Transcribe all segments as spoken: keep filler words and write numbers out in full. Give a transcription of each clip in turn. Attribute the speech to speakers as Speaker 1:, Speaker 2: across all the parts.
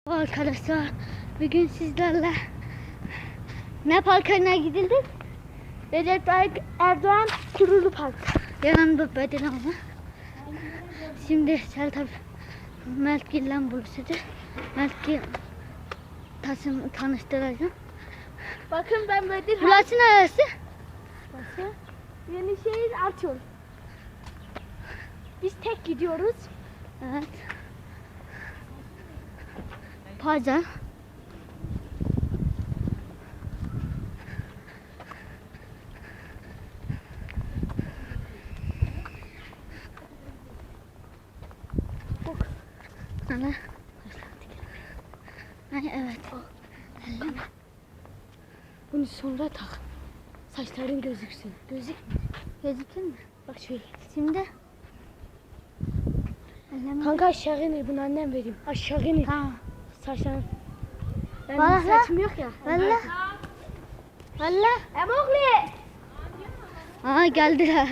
Speaker 1: Arkadaşlar bugün sizlerle ne parkına gidildik?
Speaker 2: Recep Tayyip Erdoğan Kurulu Park.
Speaker 1: Yanımda Bedir ama. Şimdi Sertab Meltgil'le buluşacağız. Meltgil tasım tanıştıracağım.
Speaker 2: Bakın ben Bedir.
Speaker 1: Burası neresi?
Speaker 2: Burası Yenişehir Arçol. Biz tek gidiyoruz.
Speaker 1: Evet. Pazar. Ana. Ay evet.
Speaker 2: Bunu sonra tak. Saçların gözüksün.
Speaker 1: Gözük gözükür mü?
Speaker 2: Bak şöyle.
Speaker 1: Şimdi Elleme.
Speaker 2: Kanka aşağı inir, bunu annem vereyim. Aşağı inir.
Speaker 1: Tamam.
Speaker 2: Saçların. Ben
Speaker 1: Vallahi.
Speaker 2: saçım yok ya.
Speaker 1: Valla. Valla.
Speaker 2: Emokli.
Speaker 1: Aa geldiler.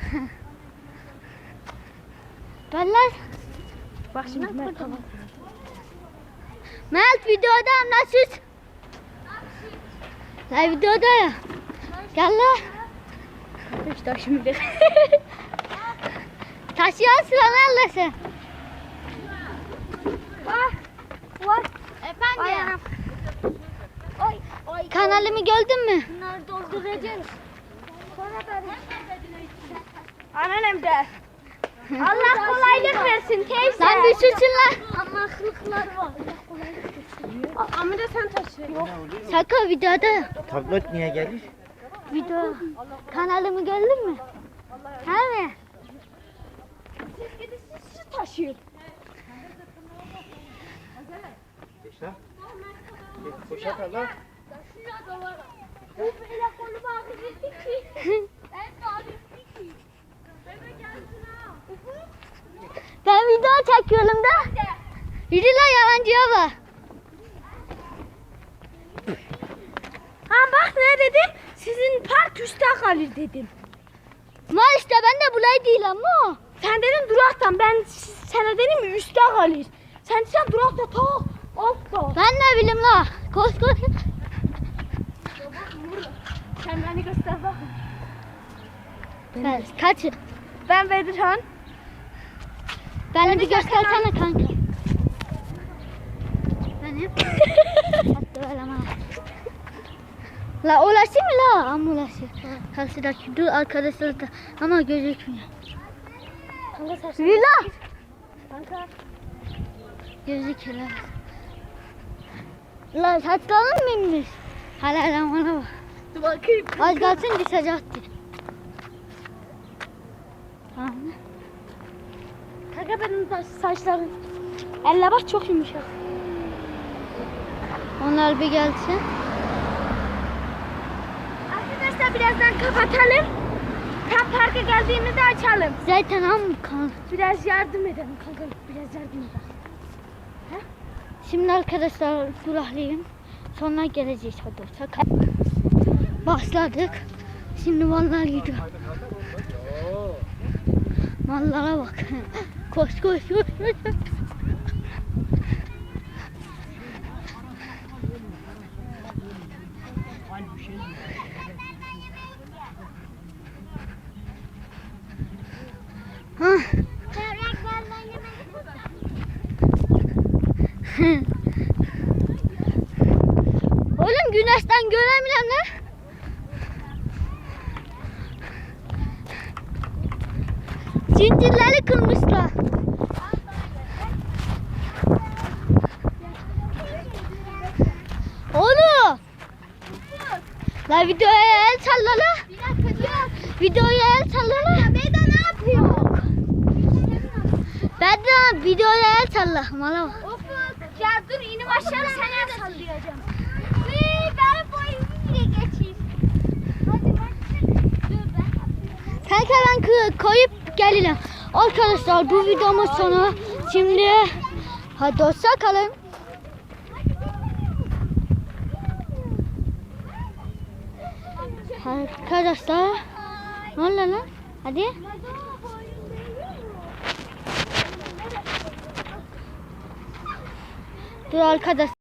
Speaker 1: Valla.
Speaker 2: Bak şimdi Mert tamam.
Speaker 1: Mert videoda nasıl? La videoda ya. Gel la.
Speaker 2: İşte şimdi.
Speaker 1: Taşıyorsun lan sen.
Speaker 2: Bak. Var.
Speaker 1: Efendim.
Speaker 2: Ay. Ay.
Speaker 1: Kanalımı gördün mü?
Speaker 2: Bunları dolduracağız. Sonra da Anneannem de. Allah kolaylık versin teyze.
Speaker 1: Lan bir susun lan.
Speaker 2: Anlaklıklar var. Ama da sen taşı. Yok.
Speaker 1: Sakın videoda.
Speaker 3: Tablet niye gelir?
Speaker 1: Video. Kanalımı gördün mü? He mi?
Speaker 2: Siz gidin siz şu taşıyın.
Speaker 3: Geç lan. Koşak Allah.
Speaker 2: Bu böyle kolu bağırdı ki. Ben de alayım ki. Bebe gelsin ha.
Speaker 1: Ben video çekiyorum da. Yürü lan yalancıya bak.
Speaker 2: Ha bak ne dedim? Sizin park üstte kalır dedim.
Speaker 1: Mal işte ben de bulay değil ama.
Speaker 2: Sen dedin duraktan, ben sana dedim mi üstte kalır. Sen sen durakta ta altta.
Speaker 1: Ben ne bileyim la. Koş koş.
Speaker 2: Sen beni göster bak.
Speaker 1: Ben, kaç?
Speaker 2: Ben Bedirhan.
Speaker 1: Beni bir göstersene kanka. Benim. Hatta böyle ama. La ulaşı mı la? Ama ulaşı. Karşıdaki dur arkadaşlar da ama gözükmüyor.
Speaker 2: Kanka saçını.
Speaker 1: Yürü la.
Speaker 2: Kanka.
Speaker 1: Gözüküyor. La saçların mı inmiş? Hala lan bana bak.
Speaker 2: Dur bakayım.
Speaker 1: Az kalsın düşecekti. Tamam mı?
Speaker 2: Kanka benim saç, saçlarım. Elle bak çok yumuşak.
Speaker 1: Onlar bir gelsin.
Speaker 2: Arkadaşlar birazdan kapatalım. Tam parka geldiğimizde açalım.
Speaker 1: Zaten am kan.
Speaker 2: Biraz yardım edelim kanka. Biraz yardım edelim.
Speaker 1: Şimdi arkadaşlar duraklıyım. Sonra geleceğiz hadi sakın. Başladık. Şimdi mallar gidiyor. Mallara bak. Koş koş koş. koş. Ha. Oğlum güneşten göremiyorum lan. Zincirleri kırmışlar. Oğlum. La videoya el salla la.
Speaker 2: Bir dakika dur.
Speaker 1: Videoya el salla la.
Speaker 2: Beda ne yapıyor?
Speaker 1: Ben de videoya el salla. Mala bak.
Speaker 2: Of ya dur inim aşağı sana da sallayacağım. Vii ben boyumu bile geçeyim. Hadi bak. Dur ben.
Speaker 1: Kanka ben kı- koyup gelirim. Arkadaşlar bu videomuz sonu. Şimdi hadi hoşça kalın. Arkadaşlar ne oluyor lan? Hadi. Dur arkadaş.